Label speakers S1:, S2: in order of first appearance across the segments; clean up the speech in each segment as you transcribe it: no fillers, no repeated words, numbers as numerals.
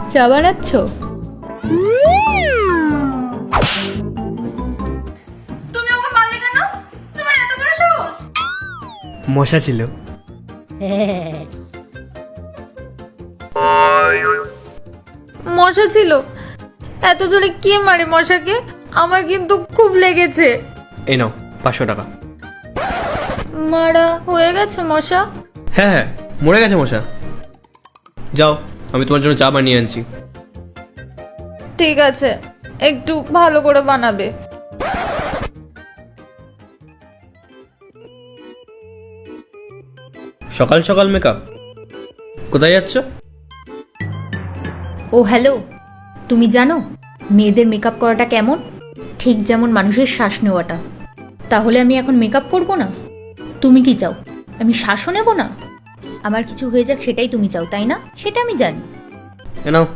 S1: চা বানাচ্ছ?
S2: তুমি আমাকে মারলে কেন? তোমার এত বড় সাহস?
S3: মশা ছিল।
S1: মশা ছিল? এত জোরে কে মারে মশাকে? আমার কিন্তু খুব লেগেছে।
S3: এই নাও 500 টাকা।
S1: মারা হয়ে গেছে মশা?
S3: হ্যাঁ হ্যাঁ, মরে গেছে মশা। যাও, আমি তোমার জন্য চা বানিয়ে আনছি।
S1: ঠিক আছে, একটু ভালো করে বানাবে।
S3: সকাল সকাল মেকআপ? কোথায় যাচ্ছ?
S4: ও হ্যালো, তুমি জানো মেয়েদের মেকআপ করাটা কেমন? ঠিক যেমন মানুষের শ্বাস নেওয়াটা। তাহলে আমি এখন মেকআপ করব না? তুমি কি চাও আমি শ্বাসও নেব না? আমার কিছু হয়ে যাক সেটাই তুমি চাও, তাই না? সেটা আমি জানি।
S3: এ নাও।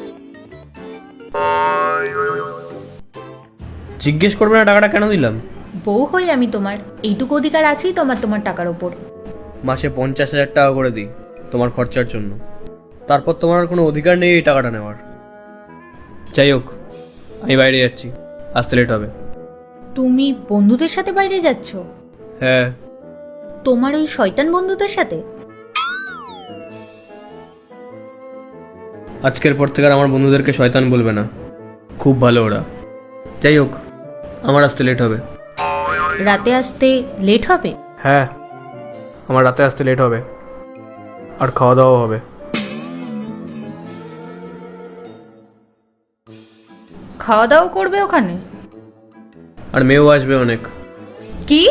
S3: জিজ্ঞেস করবে না টাকাটা কেন দিলাম?
S4: বউ হই আমি তোমার, এইটুকু অধিকার আছেই তোমার তোমার টাকার ওপর।
S3: মাসে 50,000 টাকা করে দিই তোমার খরচার জন্য। তারপর তোমার আর কোনো অধিকার নেই এই টাকাটা নেওয়ার। যাই হোক, আমি বাইরে যাচ্ছি, আসতে লেট হবে।
S4: তুমি বন্ধুদের সাথে বাইরে যাচ্ছ?
S3: হ্যাঁ।
S4: তোমার ওই শয়তান বন্ধুদের সাথে?
S3: আজকের পর থেকে আর আমার বন্ধুদেরকে শয়তান বলবে না, খুব ভালো ওরা। যাই হোক, আমার আসতে লেট হবে।
S4: রাতে আসতে লেট হবে?
S3: হ্যাঁ, আমার রাতে আসতে লেট হবে, আর খাওয়া দাওয়া হবে।
S4: খাওয়া দাওয়া করবে ওখানে?
S3: আর মেয়েও আসবে অনেক।
S1: কি?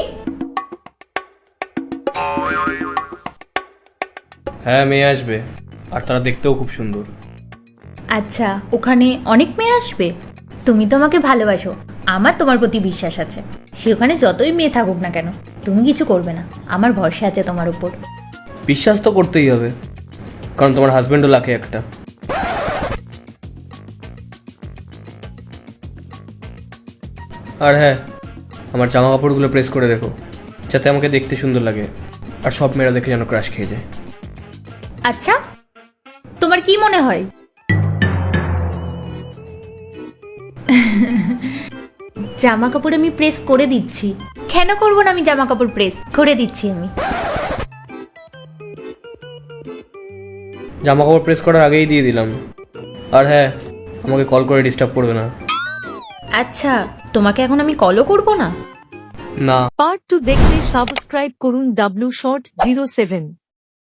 S3: হ্যাঁ, মেয়ে আসবে, আর তারা দেখতেও খুব সুন্দর।
S4: আচ্ছা, ওখানে অনেক মেয়ে আসবে? তুমি তো আমাকে ভালোবাসো, আমার তোমার প্রতি বিশ্বাস আছে। সে ওখানে যতই মেয়ে থাকুক না কেন, তুমি কিছু করবে না, আমার ভরসা আছে তোমার উপর।
S3: বিশ্বাস তো করতেই হবে, কারণ তোমার হাজবেন্ডও লাখে একটা। আর হ্যাঁ, আমার জামা কাপড়গুলো প্রেস করে দেখো, যাতে আমাকে দেখতে সুন্দর লাগে, আর সব মেয়েরা দেখে যেন ক্রাশ খেয়ে যায়।
S4: আচ্ছা, তোমার কি মনে হয়? জামা কাপড় আমি প্রেস করে দিচ্ছি। কেন করবো না? আমি জামা কাপড় প্রেস করে দিচ্ছি আমি।
S3: জামা কাপড় প্রেস করার আগেই দিয়ে দিলাম। আর হ্যাঁ, আমাকে কল করে ডিস্টার্ব করবে না।
S4: আচ্ছা, তোমাকে এখন আমি কলও করবো না?
S3: না।
S5: পার্ট 2 দেখতে সাবস্ক্রাইব করুন W Short 07।